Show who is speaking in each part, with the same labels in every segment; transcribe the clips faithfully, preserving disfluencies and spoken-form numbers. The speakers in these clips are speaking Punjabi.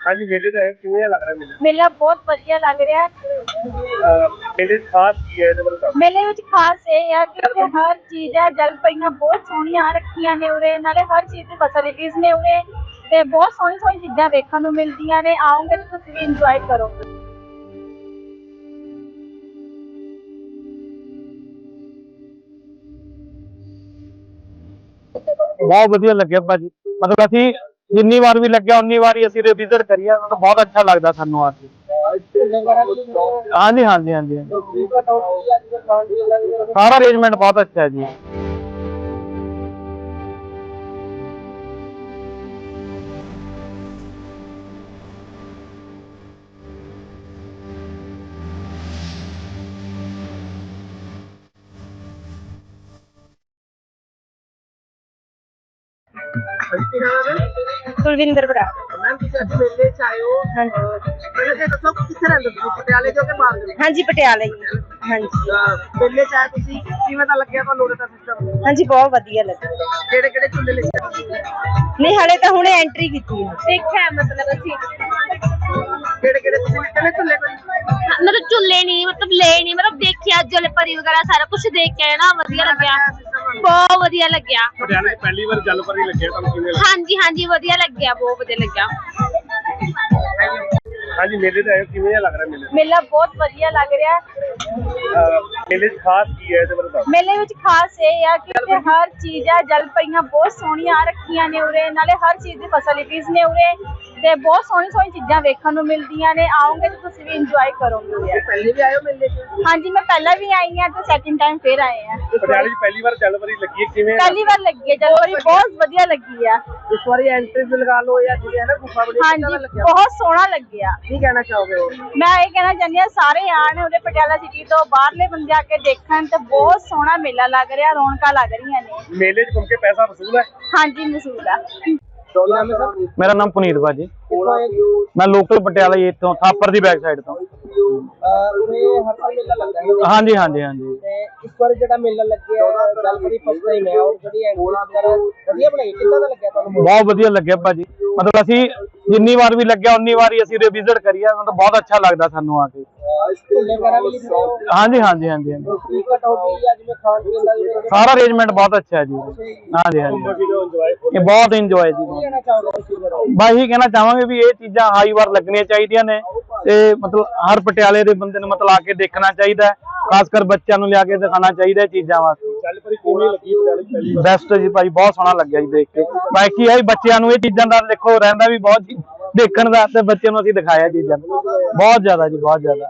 Speaker 1: हाँ जी, मेले तो है किवें लग रहा मेला?
Speaker 2: मेला बहुत ਵਧੀਆ ਲੱਗ ਰਿਹਾ।
Speaker 1: मेले च खास की है ਇਹਦੇ ਬਾਰੇ ਦੱਸੋ।
Speaker 2: ਮੇਲੇ ਵਿੱਚ ਖਾਸ ਇਹ ਆ ਕਿ ਇੱਥੇ ਹਰ ਚੀਜ਼ ਹੈ, ਜਲਪਰੀਆਂ ਬਹੁਤ ਸੋਹਣੀਆਂ ਰੱਖੀਆਂ ਨੇ ਉਰੇ, ਨਾਲੇ ਹਰ ਚੀਜ਼ ਦੀ ਫੈਸਿਲਿਟੀਜ਼ ਨੇ ਉਰੇ ਤੇ ਬਹੁਤ ਸੋਹਣੀ ਸੋਹਣੀ ਚੀਜ਼ਾਂ ਵੇਖਣ ਨੂੰ ਮਿਲਦੀਆਂ ਨੇ। ਆਓਗੇ ਤਾਂ ਤੁਸੀਂ ਵੀ ਇੰਜੋਏ ਕਰੋਗੇ।
Speaker 3: बहुत वधिया लगे भाजी, मतलब असी जिन्नी बार भी लगे उन्नी बार ही असी विजिट करिए, मतलब बहुत अच्छा लगता सानू आके। हाँ जी हाँ जी हाँ जी सारा अरेंजमेंट बहुत अच्छा है जी।
Speaker 2: ਕੁਲਵਿੰਦਰ ਬਰਾ।
Speaker 4: मैम ਤੁਸੀਂ ਅੱਜ ਮੇਲੇ ਚ ਆਏ ਹੋ।
Speaker 2: ਹਾਂਜੀ
Speaker 4: ਪਹਿਲੇ ਤੇ ਦੱਸੋ ਕਿੱਥੇ ਰਹਿੰਦੇ ਹੋ, ਪਟਿਆਲੇ ਜੋ ਕਿ ਬਾਹਰ ਦੇ?
Speaker 2: ਹਾਂਜੀ ਪਟਿਆਲੇ ਹੀ। ਹਾਂਜੀ
Speaker 4: ਮੇਲੇ ਚ ਆਏ ਤੁਸੀਂ, ਕਿਵੇਂ ਦਾ ਲੱਗਿਆ ਤੁਹਾਨੂੰ ਉਰੇ ਦਾ ਸਿਸਟਮ?
Speaker 2: ਹਾਂਜੀ ਬਹੁਤ ਵਧੀਆ ਲੱਗਾ।
Speaker 4: ਕਿਹੜੇ ਕਿਹੜੇ ਝੂਲੇ ਲਿਖੇ ਤੁਸੀਂ?
Speaker 2: ਨਹੀਂ ਹਲੇ ਤਾਂ ਹੁਣੇ ਐਂਟਰੀ ਕੀਤੀ ਹੈ, ਦੇਖਿਆ ਮਤਲਬ ਅਸੀਂ
Speaker 4: ਕਿਹੜੇ ਕਿਹੜੇ ਤੁਸੀਂ ਲਿਖੇ ਨੇ ਝੂਲੇ ਕੋਈ?
Speaker 5: मतलब झूले नहीं, मतलब ले नहीं, मतलब देखिया जलपरी वगैरह सारा कुछ देख के ना वधिया लग्या, बहुत वधिया लग्या।
Speaker 1: ਪਟਿਆਲੇ ਪਹਿਲੀ ਵਾਰ ਜਲਪਰੀ ਲੱਗੇ ਤੁਹਾਨੂੰ ਕਿਵੇਂ ਲੱਗਾ?
Speaker 5: हाँ जी हाँ जी वधिया लग्या, बहुत वधिया लग्या।
Speaker 1: हाँ जी, मेले तो है किवें लग रहा मेला?
Speaker 2: ਮੇਲਾ ਬਹੁਤ ਵਧੀਆ ਲੱਗ ਰਿਹਾ।
Speaker 1: मेले च खास की है ਇਹਦੇ ਬਾਰੇ ਦੱਸੋ।
Speaker 2: ਮੇਲੇ ਵਿੱਚ ਖਾਸ ਇਹ ਆ ਕਿ ਇੱਥੇ ਹਰ ਚੀਜ਼ ਹੈ, ਜਲਪਰੀਆਂ ਬਹੁਤ ਸੋਹਣੀਆਂ ਰੱਖੀਆਂ ਨੇ ਉਰੇ, ਨਾਲੇ ਹਰ ਚੀਜ਼ ਦੀ ਫੈਸਿਲਿਟੀਜ਼ ਨੇ ਉਰੇ ਤੇ ਬਹੁਤ ਸੋਹਣੀ ਸੋਹਣੀ ਚੀਜ਼ਾਂ ਵੇਖਣ ਨੂੰ ਮਿਲਦੀਆਂ ਨੇ। ਆਓਗੇ ਤਾਂ ਤੁਸੀਂ ਵੀ ਇੰਜੋਏ ਕਰੋਗੇ ਉਰੇ।
Speaker 4: ਪਹਿਲੇ ਵੀ ਆਏ ਹੋ ਮੇਲੇ ਚ?
Speaker 2: ਹਾਂਜੀ ਮੈਂ ਪਹਿਲਾਂ ਵੀ ਆਈ ਹਾਂ ਤੇ ਸੈਕਿੰਡ ਟਾਈਮ ਫੇਰ ਆਏ ਆ।
Speaker 1: ਪਟਿਆਲੇ ਚ ਪਹਿਲੀ ਵਾਰ ਜਲਪਰੀ ਲੱਗੀ ਹੈ ਕਿਵੇਂ?
Speaker 2: ਪਹਿਲੀ ਵਾਰ ਲੱਗੀ ਹੈ ਜਲਪਰੀ, ਬਹੁਤ ਵਧੀਆ ਲੱਗੀ ਆ।
Speaker 4: ਇਸ ਵਾਰੀ ਐਂਟਰੀ ਲਗਾ ਲਓ ਜਾਂ ਜਿਵੇਂ ਹੈ ਨਾ ਗੁਫਾ ਬਣੀ, ਕਿੱਦਾਂ ਦਾ
Speaker 2: ਹਾਂਜੀ
Speaker 4: ਲੱਗਿਆ?
Speaker 2: ਬਹੁਤ ਸੋਹਣਾ ਲੱਗਿਆ।
Speaker 4: ਕੀ ਕਹਿਣਾ ਚਾਹੋਗੇ ਹੋਰ?
Speaker 2: ਮੈਂ ਇਹ ਕਹਿਣਾ ਚਾਹੁੰਦੀ ਹਾਂ ਸਾਰੇ ਆਣ ਉਰੇ ਪਟਿਆਲਾ ਸਿਟੀ ਤੋਂ, ਬਾਹਰਲੇ ਬੰਦੇ ਆ ਕੇ ਦੇਖਣ ਤੇ ਬਹੁਤ ਸੋਹਣਾ ਮੇਲਾ ਲੱਗ ਰਿਹਾ, ਰੌਣਕਾਂ ਲੱਗ ਰਹੀਆਂ ਨੇ।
Speaker 1: मेले च घूम के पैसा वसूल है?
Speaker 2: ਹਾਂਜੀ ਮਸੂਦ ਆ।
Speaker 4: ਕੀ ਨਾਮ ਹੈ ਸਰ?
Speaker 3: मेरा नाम पुनीत भाजी,
Speaker 4: ਕਿੱਥੋਂ ਆਏ ਹੋ?
Speaker 3: मैं लोकल पटियाला ये तो थापर दी बैक साइड तो।
Speaker 4: ਅਹ ਉਰੇ ਹਰ ਸਾਲ ਮੇਲਾ ਲੱਗਦਾ ਹੈ।
Speaker 3: हाँ जी हाँ जी हाँ जी
Speaker 4: ਤੇ ਇਸ ਵਾਰ ਜਿਹੜਾ ਮੇਲਾ ਲੱਗਿਆ ਜਲਪਰੀ ਫਸਟ ਟਾਈਮ ਹੈ, ਔਰ ਜਿਹੜੀ ਐਂਟਰੀ ਵਗੈਰਾ ਵਧੀਆ ਬਣਾਈ, ਕਿੱਦਾਂ ਦਾ ਲੱਗਿਆ ਤੁਹਾਨੂੰ?
Speaker 3: बहुत वधिया लगे भाजी, मतलब असी जिन्नी बार भी लगे उन्नी बार ही असी विजिट करिए, मतलब बहुत अच्छा लगता सानू आके।
Speaker 4: ਝੂਲੇ ਵਗੈਰਾ ਵੀ ਲਿਖਦੇ ਹੋ?
Speaker 3: हाँ जी हाँ जी हाँ जी हाँ जी
Speaker 4: ਟਿਕਟ ਹੋ ਗਈ ਜਾਂ ਜਿਵੇਂ ਖਾਣ ਪੀਣ ਦਾ ਜਿਵੇਂ
Speaker 3: सारा अरेंजमेंट बहुत अच्छा है जी। हाँ जी हाँ जी ये बहुत इंजॉय जी।
Speaker 4: ਕਹਿਣਾ ਚਾਹੋਗੇ ਤੁਸੀਂ ਫਿਰ?
Speaker 3: ਬਸ ਇਹੀ ਕਹਿਣਾ ਚਾਹਾਂਗੇ ਵੀ ਇਹ ਚੀਜ਼ਾਂ ਹਾਈ ਵਾਰ ਲੱਗਣੀਆਂ ਚਾਹੀਦੀਆਂ ਨੇ ਤੇ ਮਤਲਬ ਹਰ ਪਟਿਆਲੇ ਦੇ ਬੰਦੇ ਨੂੰ ਮਤਲਬ ਆ ਕੇ ਦੇਖਣਾ ਚਾਹੀਦਾ ਹੈ, ਖਾਸ ਕਰ ਬੱਚਿਆਂ ਨੂੰ ਲਿਆ ਕੇ ਦਿਖਾਉਣਾ ਚਾਹੀਦਾ ਇਹ ਚੀਜ਼ਾਂ ਵਾਸਤੇ।
Speaker 1: ਜਲਪਰੀ ਕਿਵੇਂ ਲੱਗੀ ਪਟਿਆਲੇ ਚ ਪਹਿਲੀ ਵਾਰ?
Speaker 3: ਬੈਸਟ ਜੀ ਭਾਈ, ਬਹੁਤ ਸੋਹਣਾ ਲੱਗਿਆ ਜੀ ਦੇਖ ਕੇ। ਬਾਕੀ ਹੈ ਬੱਚਿਆਂ ਨੂੰ ਇਹ ਚੀਜ਼ਾਂ ਦਾ ਦੇਖੋ ਰਹਿੰਦਾ ਵੀ ਬਹੁਤ ਜੀ ਦੇਖਣ ਦਾ, ਤੇ ਬੱਚਿਆਂ ਨੂੰ ਅਸੀਂ ਦਿਖਾਇਆ ਚੀਜ਼ਾਂ ਬਹੁਤ ਜ਼ਿਆਦਾ ਜੀ, ਬਹੁਤ ਜ਼ਿਆਦਾ।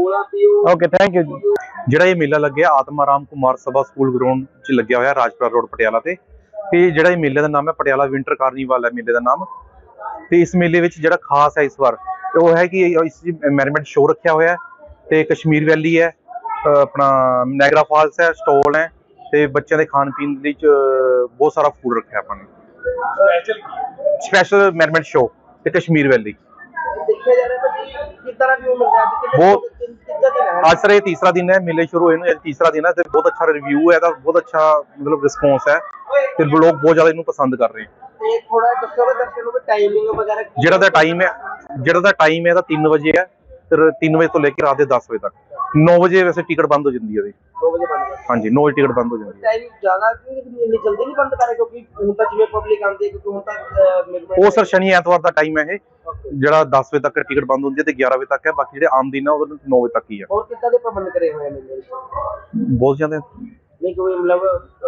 Speaker 3: ਓਕੇ ਥੈਂਕ ਯੂ ਜੀ।
Speaker 6: ਜਿਹੜਾ ਇਹ ਮੇਲਾ ਲੱਗਿਆ ਆਤਮਾ ਰਾਮ ਕੁਮਾਰ ਸਭਾ ਸਕੂਲ ਗਰਾਊਂਡ 'ਚ ਲੱਗਿਆ ਹੋਇਆ ਰਾਜਪੁਰਾ ਰੋਡ ਪਟਿਆਲਾ ਤੇ ਤੇ ਜਿਹੜਾ ਇਹ ਮੇਲੇ ਦਾ ਨਾਮ ਹੈ ਪਟਿਆਲਾ ਵਿੰਟਰ ਕਾਰਨੀਵਲ ਹੈ ਮੇਲੇ ਦਾ ਨਾਮ। ਤੇ ਇਸ ਮੇਲੇ ਵਿੱਚ ਜਿਹੜਾ ਖਾਸ ਹੈ ਇਸ ਵਾਰ ਉਹ ਹੈ ਕਿ ਇਸ ਮੈਰੀਮੈਂਟ ਸ਼ੋਅ ਰੱਖਿਆ ਹੋਇਆ ਹੈ ਤੇ ਕਸ਼ਮੀਰ ਵੈਲੀ ਹੈ, ਆਪਣਾ ਨਾਇਗਰਾ ਫਾਲਸ ਹੈ, ਸਟੋਲ ਹੈ ਤੇ ਬੱਚਿਆਂ ਦੇ ਖਾਣ ਪੀਣ ਦੇ ਵਿੱਚ ਬਹੁਤ ਸਾਰਾ ਫੂਡ ਰੱਖਿਆ ਆਪਾਂ ਨੇ। ਸਪੈਸ਼ਲ ਮੈਰੀਮੈਂਟ ਸ਼ੋਅ ਤੇ ਕਸ਼ਮੀਰ ਵੈਲੀ।
Speaker 4: ਦੇਖਿਆ ਜਾ ਰਿਹਾ ਹੈ ਕਿਸ ਤਰ੍ਹਾਂ ਵਿਊ ਮਿਲ ਰਿਹਾ ਹੈ?
Speaker 6: ਬਹੁਤ
Speaker 4: ਕਿੱਦਾਂ ਦਿਨ ਹੈ?
Speaker 6: ਅੱਜ ਸਰ ਇਹ ਤੀਸਰਾ ਦਿਨ ਹੈ ਮੇਲੇ ਸ਼ੁਰੂ ਹੋਏ ਨੂੰ, ਇਹ ਤੀਸਰਾ ਦਿਨ ਹੈ ਤੇ ਬਹੁਤ ਅੱਛਾ ਰਿਵਿਊ ਹੈ ਇਹਦਾ, ਬਹੁਤ ਅੱਛਾ ਮਤਲਬ ਰਿਸਪੌਂਸ ਹੈ ਤੇ ਲੋਕ ਬਹੁਤ ਜ਼ਿਆਦਾ ਇਹਨੂੰ ਪਸੰਦ ਕਰ ਰਹੇ ਹੈ।
Speaker 4: ਤੇ ਥੋੜਾ ਦੱਸੋਗੇ ਦਰਸ਼ਕਾਂ ਨੂੰ ਵੀ ਟਾਈਮਿੰਗ ਵਗੈਰਾ ਕੀ
Speaker 6: ਜਿਹੜਾ ਦਾ ਟਾਈਮ ਹੈ ਜਿਹੜਾ ਦਾ ਟਾਈਮ ਹੈ ਇਹਦਾ ਤਿੰਨ ਵਜੇ ਹੈ ਤੇ ਤਿੰਨ ਵਜੇ ਤੋਂ ਲੈ ਕੇ ਰਾਤ ਦੇ ਦਸ ਵਜੇ ਤੱਕ। ਨੌ ਵਜੇ ਵੈਸੇ ਟਿਕਟ ਬੰਦ ਹੋ ਜਾਂਦੀ ਹੈ ਇਹਦੀ।
Speaker 4: ਦੋ ਵਜੇ ਬੰਦ ਕਰ?
Speaker 6: ਹਾਂਜੀ ਨੌ ਵਜੇ ਟਿਕਟ ਬੰਦ ਹੋ ਜਾਂਦੀ ਹੈ।
Speaker 4: ਟਾਈਮ ਜ਼ਿਆਦਾ ਕਿਉਂ ਇੰਨੀ ਜਲਦੀ ਨਹੀਂ ਬੰਦ ਕਰੇ, ਕਿਉਂਕਿ ਹੁਣ ਤਾਂ ਜਿਵੇਂ ਪਬਲਿਕ ਆਉਂਦੀ ਹੈ, ਕਿਉਂਕਿ ਹੁਣ ਤੱਕ
Speaker 6: ਉਹ ਸਰ ਸ਼ਨੀ ਐਤਵਾਰ ਦਾ ਟਾਈਮ ਹੈ ਇਹ, ਜਿਹੜਾ ਦਸ ਵਜੇ ਤੱਕ ਟਿਕਟ ਬੰਦ ਹੁੰਦੀ ਹੈ ਤੇ ਗਿਆਰਾਂ ਵਜੇ ਤੱਕ ਹੈ। ਬਾਕੀ ਜਿਹੜੇ ਆਮ ਦਿਨ ਹੈ ਉਹ ਨੌ ਵਜੇ ਤੱਕ ਹੀ ਹੈ।
Speaker 4: ਹੋਰ ਕਿੱਦਾਂ ਦੇ ਪ੍ਰਬੰਧ ਕਰੇ ਹੋਏ ਨੇ?
Speaker 6: ਬਹੁਤ ਜ਼ਿਆਦਾ
Speaker 4: ਨਹੀਂ ਕੋਈ ਮਤਲਬ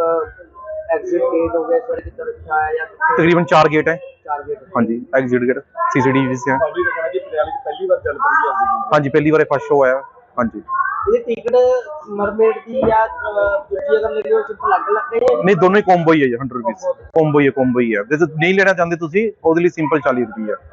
Speaker 4: ਐਗਜ਼ਿਟ ਗੇਟ ਹੋ ਗਿਆ ਇਸ ਵਾਰ ਕਿੱਦਾਂ ਰੱਖਿਆ ਹੈ ਜਾਂ
Speaker 6: ਤਕਰੀਬਨ ਚਾਰ ਗੇਟ ਹੈ।
Speaker 4: ਚਾਰ ਗੇਟ?
Speaker 6: ਹਾਂਜੀ ਐਗਜ਼ਿਟ ਗੇਟ ਸੀਸੀਟੀਵੀ ਵੀ ਹੈ।
Speaker 1: ਪਬਲਿਕ ਕਹਿੰਦਾ ਕਿ ਪਟਿਆਲੇ ਚ ਪਹਿਲੀ ਵਾਰ ਜਲਪਰੀ ਆਉਂਦੀ ਹੈ।
Speaker 6: ਹਾਂਜੀ ਪਹਿਲੀ ਵਾਰ ਫਸਟ ਸ਼ੋਅ ਆਇਆ। ਹਾਂਜੀ
Speaker 4: ਇਹ ਟਿਕਟ ਮਰਮੇਡ ਦੀ ਜਾਂ ਦੂਜੀ ਅਗਰ ਲੈਣੀ ਹੋਵੇ ਤਾਂ ਅਲੱਗ ਲੱਗ ਗਈ ਹੈ?
Speaker 6: ਨਹੀਂ ਦੋਨੋਂ ਹੀ ਕੋਂਬੋ ਹੀ ਹੈ ਜੀ, ਹੰਡਰਡ ਰੁਪੀਸ ਕੋਂਬੋ ਹੀ ਹੈ, ਕੋਂਬੋ ਹੀ ਹੈ। ਜੇ ਨਹੀਂ ਲੈਣਾ ਚਾਹੁੰਦੇ ਤੁਸੀਂ ਉਹਦੇ ਲਈ ਸਿੰਪਲ ਚਾਲੀ ਰੁਪਏ ਹੈ।